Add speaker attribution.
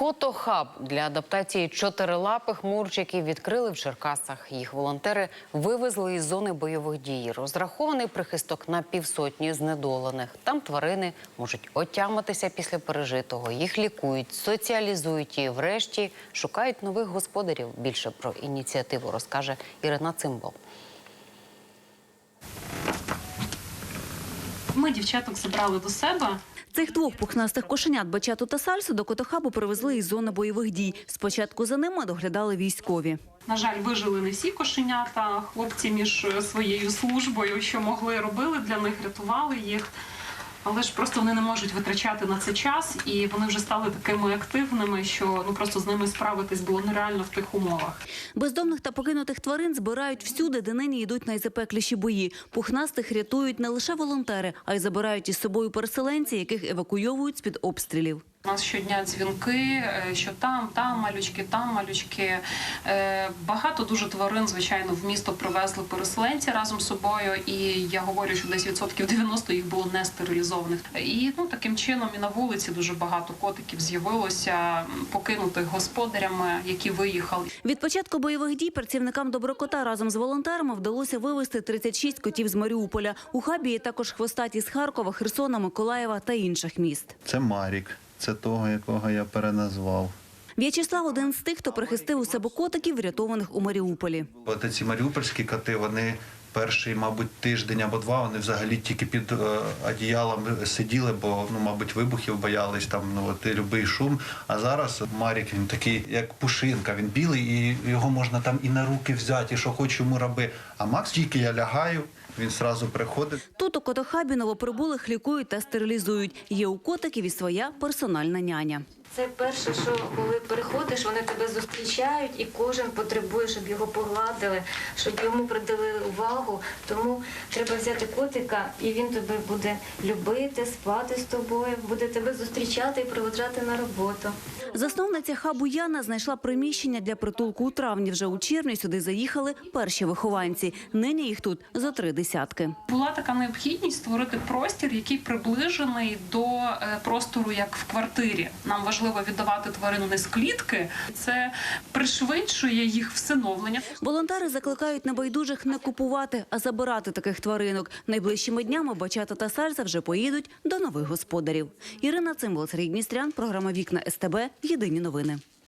Speaker 1: Котохаб для адаптації чотирилапих мурчиків відкрили в Черкасах. Їх волонтери вивезли із зони бойових дій. Розрахований прихисток на півсотні знедолених. Там тварини можуть отямитися після пережитого. Їх лікують, соціалізують і, врешті, шукають нових господарів. Більше про ініціативу розкаже Ірина Цимбал.
Speaker 2: Ми дівчаток забрали до себе.
Speaker 3: Цих двох пухнастих кошенят Бачату та Сальсу до Котохабу привезли із зони бойових дій. Спочатку за ними доглядали військові.
Speaker 2: На жаль, вижили не всі кошенята. Хлопці між своєю службою, що могли, робили для них, рятували їх. Але ж просто вони не можуть витрачати на це час, і вони вже стали такими активними, що просто з ними справитись було нереально в тих умовах.
Speaker 3: Бездомних та покинутих тварин збирають всюди, де нині йдуть найзапекліші бої. Пухнастих рятують не лише волонтери, а й забирають із собою переселенці, яких евакуйовують з-під обстрілів.
Speaker 2: У нас щодня дзвінки, що там малючки, там малючки. Багато дуже тварин, звичайно, в місто привезли переселенці разом з собою. І я говорю, що десь 90% їх було не стерилізованих. І таким чином і на вулиці дуже багато котиків з'явилося, покинутих господарями, які виїхали.
Speaker 3: Від початку бойових дій працівникам Доброкота разом з волонтерами вдалося вивезти 36 котів з Маріуполя. У хабі є також хвостаті з Харкова, Херсона, Миколаєва та інших міст.
Speaker 4: Це Марік. Це того, якого я переназвав.
Speaker 3: В'ячеслав – один з тих, хто прихистив у себе котиків, врятованих у Маріуполі.
Speaker 4: От ці маріупольські коти, вони перший, мабуть, тиждень або два, вони взагалі тільки під одіялом сиділи, бо, мабуть, вибухів боялись, любий шум. А зараз Марік, він такий, як пушинка, він білий, і його можна там і на руки взяти, і що хоч йому роби. А Макс, тільки я лягаю, він одразу приходить.
Speaker 3: Тут у Котохабі новоприбулих лікують та стерилізують. Є у котиків і своя персональна няня.
Speaker 5: Це перше, що коли приходиш, вони тебе зустрічають, і кожен потребує, щоб його погладили, щоб йому приділили увагу. Тому треба взяти котика, і він тебе буде любити, спати з тобою, буде тебе зустрічати і проводжати на роботу.
Speaker 3: Засновниця хабу Яна знайшла приміщення для притулку у травні. Вже у червні сюди заїхали перші вихованці. Нині їх тут зо 3 десятки.
Speaker 2: Була така необхідність створити простір, який приближений до простору, як в квартирі. Нам важливо віддавати тварину не з клітки. Це пришвидшує їх всиновлення.
Speaker 3: Волонтери закликають небайдужих не купувати, а забирати таких тваринок. Найближчими днями Бачата та Сальса вже поїдуть до нових господарів. Ірина Цимбал, Сергій Дністрян, програма «Вікна СТБ». Єдині новини.